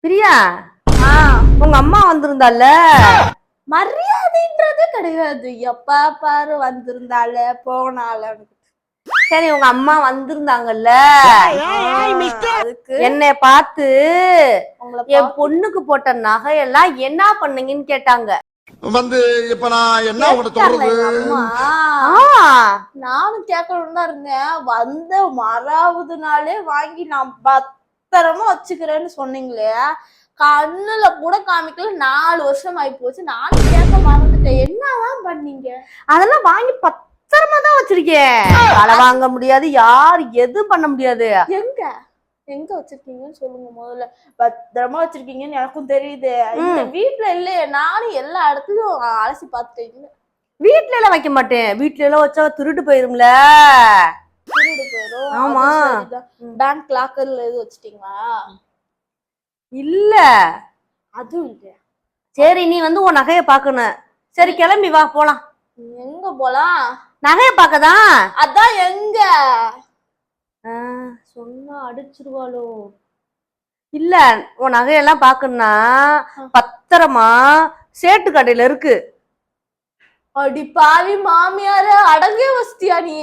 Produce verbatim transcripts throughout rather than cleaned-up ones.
பிரியா, உங்க அம்மா வந்திருந்தால மரியாதைன்றது கிடையாது. எப்ப பாரு வந்திருந்தால போனால. சரி, உங்க அம்மா வந்திருந்தாங்கல்ல, அதுக்கு என்னை பார்த்து என் பொண்ணுக்கு போட்ட நகையெல்லாம் என்ன பண்ணீங்கன்னு கேட்டாங்க. வந்து இப்ப நான் என்ன உங்கள்ட்ட சொல்றது? அம்மா நானும் கேட்கணும்னு தான் இருந்தேன். வந்த மறாவது நாளே வாங்கி நான் பத்திரமா வச்சுக்கிறேன்னு சொன்னீங்களே, கண்ணுல கூட காமிக்கல. நாலு வருஷம் ஆகி போச்சு. நானும் கேட்க மறந்துட்டேன். என்னதான் பண்ணீங்க? அதெல்லாம் வாங்கி பத்திரமா தான் வச்சிருக்கேன். களை வாங்க முடியாது, யாரு எதுவும் பண்ண முடியாது. எங்க எங்க வச்சிருக்கீங்கன்னு சொல்லுங்க. முதல்ல பத்திரமா வச்சிருக்கீங்கன்னு எனக்கும் தெரியுது. இந்த வீட்டுல இல்லையே, நானும் எல்லா இடத்துலயும் அலசி பார்த்துட்டேன். வீட்டுல எல்லாம் வைக்க மாட்டேன். வீட்டுல எல்லாம் வச்சா திருட்டு போயிரும்ல. திருடு போயிரும். ஆமா. பேங்க் லாக்கர்ல எது வச்சிட்டீங்களா? இல்ல, அதுவும் இல்ல. சரி, நீ வந்து உன் நகைய பாக்கணும். சரி, கிளம்பி வா போலாம். எங்க போலாம்? நகைய பாக்கதான். அதான் எங்க சொன்னா அடிச்சிருவாளோ? இல்ல, உன் நகையெல்லாம் பாக்கணும்னா பத்திரமா சேட்டு கடையில இருக்கு. அடி பாவி மாமியார, அடங்கே வசதியா நீ?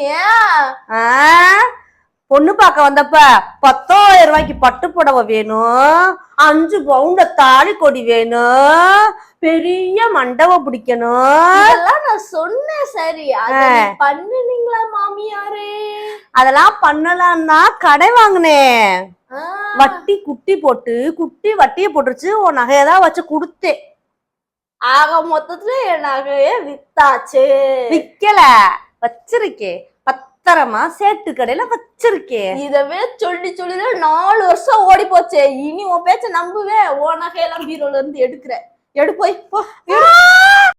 பொண்ணு பார்க்க வந்தப்ப பத்தாயிரம் ரூபாய்க்கு பட்டு புடவை வேணும், அஞ்சு பவுண்ட தாலி கொடி வேணும், பெரிய மண்டபம் பிடிக்கணும். இதெல்லாம் நான் சொன்னேன். சரி, பண்ணுனீங்களா மாமியாரே? அதெல்லாம் பண்ணலாம்னா கடை வாங்கினேன். வட்டி குட்டி போட்டு குட்டி வட்டிய போட்டுருச்சு. உன் நகையதான் வச்சு கொடுத்தேன். ஆக மொத்தத்துல என் நகைய வித்தாச்சு. விக்கல, வச்சிருக்கேன். பத்திரமா சேட்டு கடையில வச்சிருக்கேன். இதவே சொல்லி சொல்லி நாலு வருஷம் ஓடி போச்சு. இனி உன் பேச்ச நம்புவேன். உன் நகையெல்லாம் பீரோல இருந்து எடுக்கிற. எடு போய் போ.